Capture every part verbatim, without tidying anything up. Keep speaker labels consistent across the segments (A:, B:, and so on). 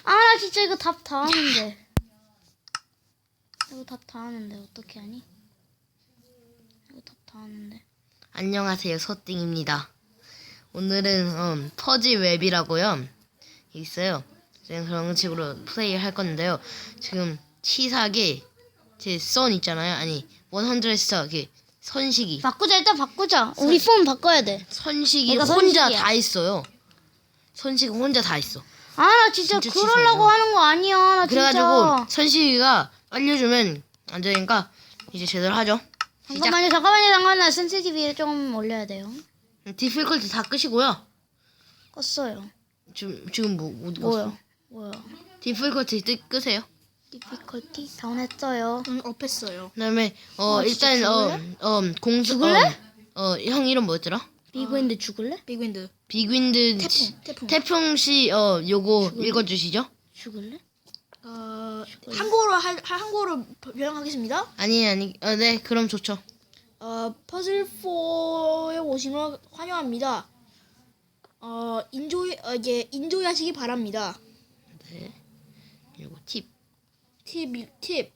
A: 아, 나 진짜 이거 답 다 하는데. 이거 답 다 하는데 어떻게 하니? 이거 답 다 하는데.
B: 안녕하세요, 소띵입니다. 오늘은 음, 퍼즐 웹이라고요. 있어요. 제가 그런 식으로 플레이 할 건데요. 지금 치사하게 제 선 있잖아요. 아니, 백 스타 그 선식이.
A: 바꾸자, 일단 바꾸자. 우리 폰 바꿔야 돼.
B: 선식이
A: 내가
B: 혼자
A: 선식이야.
B: 다 있어요. 선식이 혼자 다 있어.
A: 아, 나 진짜,
B: 진짜
A: 그러려고
B: 치사해요.
A: 하는 거 아니야. 나
B: 그래가지고
A: 진짜.
B: 선식이가 알려주면 안 되니까 이제 제대로 하죠. 시작.
A: 잠깐만요, 잠깐만요, 잠깐만. 나 센시티비를 좀 올려야 돼요.
B: 디필컬트 다 끄시고요.
A: 껐어요.
B: 지금 지금 뭐 어디 갔어?
A: 뭐야? 뭐야?
B: 디필컬트 뜨 끄세요.
A: 디피컬티 다운했어요.
C: 응, 업했어요.
B: 그다음에 어
A: 아, 진짜
B: 일단
A: 죽을래?
B: 어어 공수
A: 죽을래?
B: 어형 이름 뭐였더라?
A: 비그인드 죽을래?
C: 빅윈드.
B: 빅윈드
C: 태풍, 태풍.
B: 태풍 씨어 요거 읽어주시죠.
A: 죽을래?
C: 어, 한국어로 할, 할- 한국어로 변형하겠습니다.
B: 아니 아니 어, 네 그럼 좋죠.
C: 어, 퍼즐 사에 오신 걸 환영합니다. 어, 인조이, 어, 이제 인조하시기 바랍니다.
B: 네 요거 팁.
C: 팁, 팁.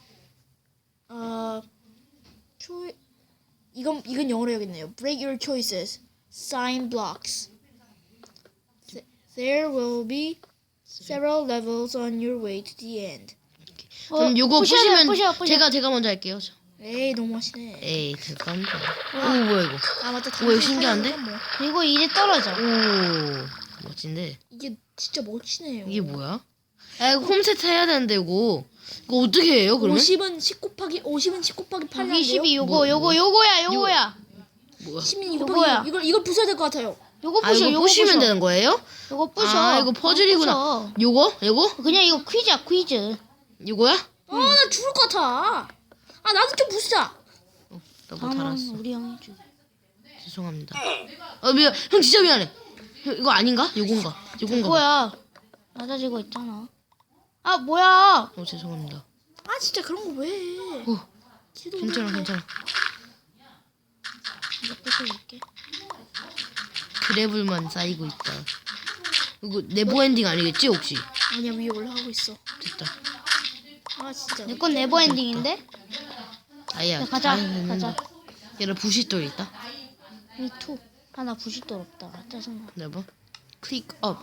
C: 어, 초, 이건, 이건 영어로 해야겠네요. Break your choices. Sign blocks. Th- There will be several levels on your way to the end.
B: 그럼 요거
A: 부셔야 돼,
B: 보시면
A: 부셔, 부셔.
B: 제가 제가 먼저 할게요. 저.
C: 에이, 너무 하시네.
B: 에이 잠깐만. 오 뭐야 이거?
C: 아, 맞다.
B: 오, 이거 신기한데?
C: 뭐.
A: 그리고 이제 떨어져.
B: 오 멋진데
C: 이게 진짜 멋지네요.
B: 이게 뭐야? 아 이거 홈세트 해야 되는데 이거 이거 어떻게 해요 그러면?
C: 오십은 십 곱하기 오십은 십 곱하기 팔
A: 여기 십이 요거
B: 뭐,
A: 요거 요거야 요거야.
B: 뭐야?
C: 십이
A: 요거야.
C: 곱하기 이걸 이걸 부숴야 될 것 같아요.
A: 요거
B: 아
A: 부셔
B: 이거
A: 요거
B: 보시면
A: 부셔.
B: 되는 거예요?
A: 요거 부셔.
B: 아 이거 퍼즐이구나.
A: 요거 부셔.
B: 요거? 요거?
A: 그냥 이거 퀴즈야 퀴즈.
B: 요거야?
C: 아, 나 죽을 것 같아. 아, 나도 좀 부수자.
B: 나뭐
A: 다음은
B: 달았어.
A: 우리 형이 주.
B: 죄송합니다. 어 미안. 형 진짜 미안해. 형, 이거 아닌가? 요건가? 요건가? 봐.
A: 뭐야? 낮아지고 있잖아. 아 뭐야?
B: 어 죄송합니다.
C: 아, 진짜 그런 거 왜 해?
B: 어
C: 기도
B: 괜찮아
C: 못해.
B: 괜찮아.
A: 이거 부숴줄게.
B: 그래블만 쌓이고 있다. 이거 네버 엔딩 아니겠지 혹시?
C: 아니야, 위에 올라가고 있어.
B: 됐다.
C: 아, 진짜.
A: 내 건 네버 엔딩인데?
B: 아야.
A: 자, 가자,
B: 아유,
A: 가자.
B: 얘는 부시돌 있다.
A: 미투. 하나 부실도 없다. 짜증나.
B: 네버. 클릭 업.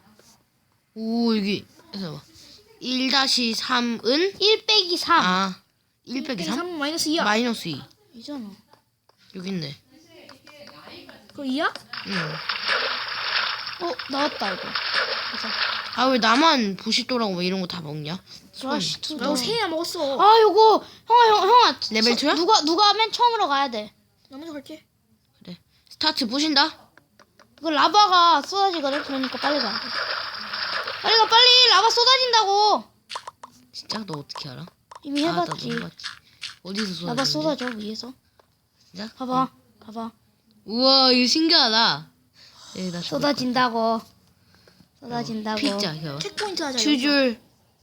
B: 오 여기 해서 봐. 일 다시 삼은
A: 일 빼기 삼.
B: 아 일 빼기 삼?
C: 삼 마이너스 이야.
B: 마이너스 이.
A: 이잖아.
B: 여기 있네.
C: 그거 이야?
B: 응.
A: 어 나왔다 이거. 가자.
B: 아 왜 나만 부시돌하고 왜 이런 거 다 먹냐?
A: 브라시 투.
C: 나 이거 세개나 먹었어.
A: 아 요거 형아 형 형아.
B: 레벨
A: 서-
B: 이야?
A: 누가 누가 맨 처음으로 가야 돼.
C: 나 먼저 갈게.
B: 그래. 스타트 부신다.
A: 이거 라바가 쏟아지거든. 그러니까 빨리 가. 빨리 가 빨리. 라바 쏟아진다고.
B: 진짜 너 어떻게 알아?
A: 이미
B: 아, 나도
A: 해봤지.
B: 해봤지. 어디서 쏟아?
A: 라바 쏟아져 위에서.
B: 진짜?
A: 봐봐. 봐봐.
B: 우와 이거 신기하다. 여기다
A: 쏟아진다고. 쏟아진다고.
B: 피자 이거.
C: 체크포인트 하자. 여기서.
B: 추줄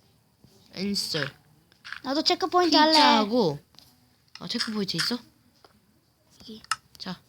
B: 앤서.
A: 나도 체크 포인트 할래.
B: 피자하고 아 체크 포인트 있어?
A: 여기.
B: 자.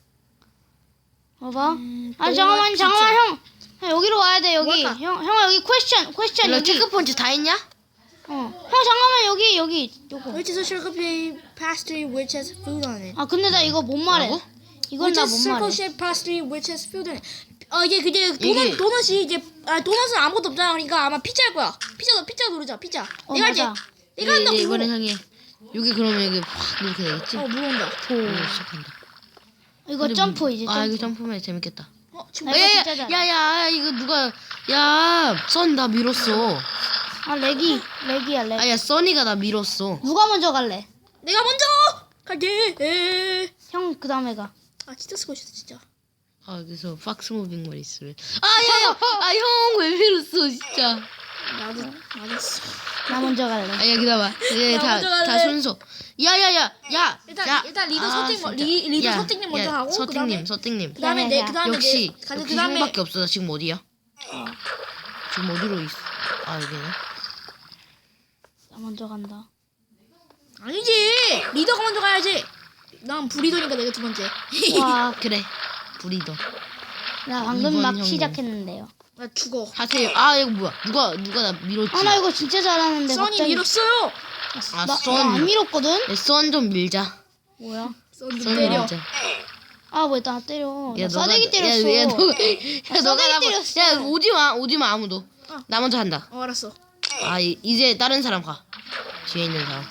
A: 봐봐.
C: 음,
A: 아니
C: 또
A: 잠깐만
C: 피자.
A: 잠깐만 형. 형 여기로 와야 돼 여기.
C: 뭘까?
A: 형 형아 여기 퀘스천 퀘스천
B: 너
A: 여기.
B: 체크 포인트 다 했냐?
A: 어. 형 잠깐만 여기 여기 요거.
C: Which is a circle shaped pastry which has food on it.
A: 아 근데 나 이거 못 말해.
B: 뭐라고?
A: 이건
C: Which
A: 나
C: is
A: 못
C: circle
A: 말해.
C: shaped pastry which has food on it. 어 이게 그게 도넛
B: 이게-
C: 도넛이 이제 아 도넛은 아무것도 없잖아. 그러니까 아마 피자일 거야. 피자 피자 누르자. 피자.
A: 어,
C: 내가 할게.
A: 맞아.
C: 내가 한다고.
B: 예, 이번에
C: 이거.
B: 향해. 여기 그러면 여기 확 이렇게 되겠지?
C: 어 물어온다.
B: 오 시작한다.
A: 이거
B: 근데
A: 점프
B: 뭐-
A: 이제 점프.
B: 아 이거 점프면 재밌겠다.
C: 어 지금
A: 아, 이거
B: 야야야
A: 진짜 잘해.
B: 야야 이거 누가 야 썬 나 밀었어.
A: 아 렉이 렉이야 렉.
B: 아야 써니가 나 밀었어.
A: 누가 먼저 갈래?
C: 내가 먼저 갈게. 에.
A: 형 그 다음에 가.
C: 아 진짜 쓰고 싶다 진짜.
B: 아 여기서 박스 무빙만 있으면 아야야 아 형 왜 밀었어 진짜.
C: 나도 나도 쓰-
A: 나 먼저 갈래.
B: 아야 기다봐. 이게
C: 나 먼저
B: 다다
C: 갈래.
B: 순서. 야야야 야.
C: 일단
B: 야.
C: 일단 리더
B: 아,
C: 서팅 먼-
B: 진짜.
C: 리 리더
B: 야,
C: 서팅님 먼저
B: 야,
C: 하고
B: 서팅님
C: 그다음에
B: 서팅님.
C: 그다음에
A: 야,
C: 내
A: 야, 야.
C: 그다음에
B: 역시
C: 내 가자
B: 역시
C: 그다음에
B: 형밖에 없어. 나 지금 어디야? 지금 어디로 있어? 아 여기네.
A: 나 먼저 간다.
C: 아니지 리더가 먼저 가야지. 난 불리더니까 내가 두 번째.
A: 와,
B: 그래. 브리더.
A: 나 방금
B: 이번
A: 막
B: 형님.
A: 시작했는데요.
C: 나 죽어.
B: 하세요. 아 이거 뭐야? 누가 누가 나 밀었지?
A: 아 나 이거 진짜 잘하는데
C: 써니
A: 갑자기
C: 밀었어요.
B: 아,
A: 나,
B: 썬.
A: 나 안 밀었거든?
B: 네, 썬좀 밀자.
A: 뭐야?
C: 써니
B: 썬
C: 때려.
B: 밀자.
A: 아 왜 나 때려? 나
B: 너가-
A: 싸대기 때렸어.
B: 야, 야, 너, 야,
A: 나
B: 너가
A: 싸대기
B: 나,
A: 때렸어.
B: 야 오지 마, 오지 마 아무도.
C: 어.
B: 나 먼저 한다.
C: 어 알았어.
B: 아 이, 이제 다른 사람 가. 뒤에 있는 사람.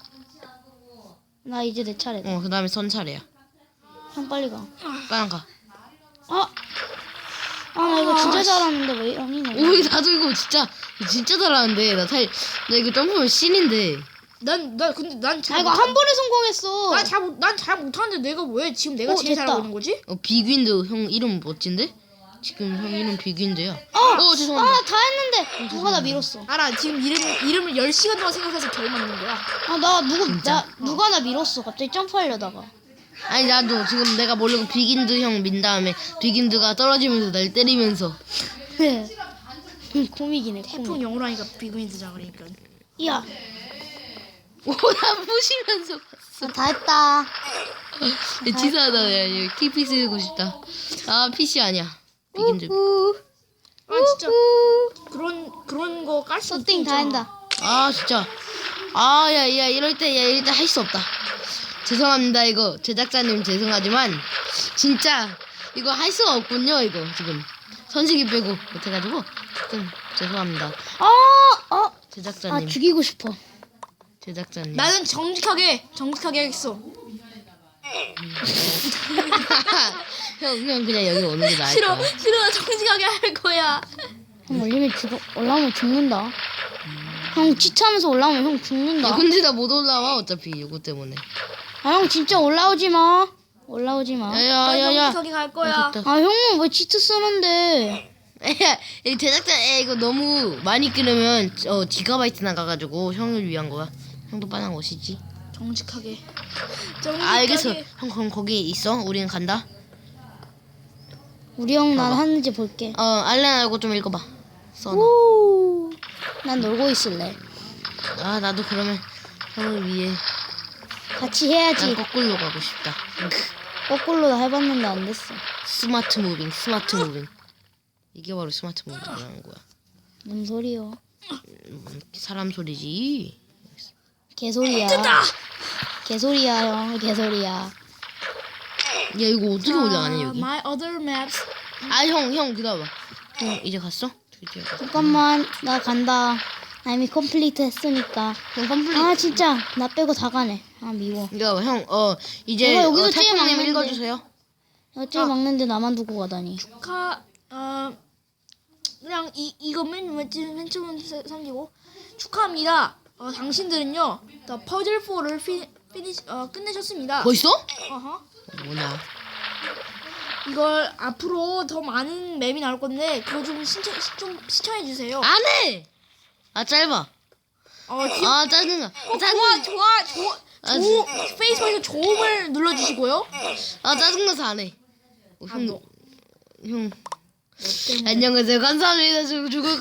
A: 나 이제 내 차례다.
B: 어 그다음에 선 차례야.
A: 형 빨리 가.
B: 빨랑 가.
A: 아! 아 나 이거 진짜 잘하는데 왜 이러니 내가.
B: 오 나도 이거 진짜 진짜 잘하는데 나 살 나 이거 점프면 신인데.
C: 난나 근데
A: 아
C: 난잘
A: 이거 한 번에 성공했어.
C: 난잘 못하는데 내가 왜 지금 내가
A: 어,
C: 제일
A: 됐다.
C: 잘하고 있는 거지?
B: 어 빅윈드 형 이름 멋진데? 지금 형 이름 빅윈드야.
A: 어!
B: 어 죄송합니다.
A: 아 다 했는데 누가 나 밀었어.
C: 알아 지금 이름 이름을 열 시간 동안 생각해서 겨우 맞는 거야.
A: 아 나 누구 나 누가 나 밀었어. 갑자기 점프하려다가.
B: 아니 나도 지금 내가 모르고 빅윈드 형 민 다음에 빅윈드가 떨어지면서 날 때리면서.
A: 코믹이네.
C: 태풍
A: 코믹.
C: 영어로 하니까 비그윈드자 그러니까.
A: 야,
B: 오나 부시면서 봤어.
A: 나 다 했다.
B: 야, 치사하다. 야 이거 티피 쓰고 싶다. 아 피씨 아니야. 빅윈드.
A: 우,
C: 아 진짜
A: 우.
C: 그런 그런 거 깔 수
A: 서팅 다 한다.
B: 아 진짜. 아야야 이럴 때 야 이럴 때 할 수 없다. 죄송합니다 이거 제작자님 죄송하지만 진짜 이거 할 수가 없군요 이거 지금 선식이 빼고 못해가지고 좀 죄송합니다
A: 아, 어, 아
B: 제작자님
A: 죽이고 싶어.
B: 제작자님.
C: 나는 정직하게 정직하게 하겠어.
B: 형, 형 그냥 여기 오는 게 나을
C: 싫어
B: 거야.
C: 싫어 나 정직하게 할 거야.
A: 형 올리면 죽어. 올라오면 죽는다. 형 지치하면서 올라오면 형
B: 야,
A: 죽는다.
B: 근데 나 못 올라와 어차피 이거 때문에.
A: 아 형 진짜 올라오지 마. 올라오지 마.
C: 나
B: 야야야야.
C: 정직하게 갈 거야.
B: 됐다.
A: 아 형은 왜 치트 쓰는데?
B: 야, 이 제작자 에 이거 너무 많이 끊으면 어 기가바이트 나가가지고 형을 위한 거야. 형도 빠는 것이지.
C: 정직하게.
B: 아
C: 정직하게.
B: 알겠어. 형 그럼 거기 있어. 우리는 간다.
A: 우리 형 난
B: 봐봐.
A: 하는지 볼게.
B: 어 알렌하고 좀 읽어봐. 써.
A: 오, 난 놀고 있을래.
B: 아 나도 그러면 형을 위해
A: 같이
B: 난
A: 해야지.
B: 거꾸로 가고 싶다.
A: 거꾸로 다 해봤는데 안 됐어.
B: 스마트 무빙, 스마트 무빙. 이게 바로 스마트 무빙이라는 거야.
A: 뭔 소리요?
B: 음, 사람 소리지.
A: 개소리야. 개소리야 형, 개소리야.
B: 야 이거 어떻게 올라가냐 여기?
C: My other maps.
B: 아 형 형 기다려봐. 형 이제 갔어? 드디어.
A: 잠깐만, 나 간다. 나 이미 컴플리트 했으니까.
B: 형 컴플릿.
A: 아 진짜 나 빼고 다 가네. 아 미워.
B: 기다려봐 형어 이제
A: 내가 여기서
B: 어,
A: 제일
B: 태풍님
A: 막는데.
B: 읽어주세요.
A: 어째 막는데 나만 두고 가다니.
C: 축하 어 그냥 이 이거면 맨, 맨 처음 사- 삼기고 축하합니다. 어 당신들은요 The Puzzle 사를 피, 피니시 어 끝내셨습니다.
B: 벌써?
C: 어허.
B: 뭐냐?
C: 이걸 앞으로 더 많은 맵이 나올 건데 그거 좀 신청 시- 좀 시청해 주세요.
B: 안 해. 아 짧아.
C: 어 지,
B: 아 짜증나.
C: 어,
B: 짜증.
C: 좋아 좋아 좋아
B: 아,
C: 조 페이스북에서 조음을 눌러주시고요.
B: 아 짜증나서 안 해. 어,
C: 아,
B: 형
C: 너-
B: 형.
C: 너 때문에.
B: 안녕하세요. 감사합니다. 저 죽을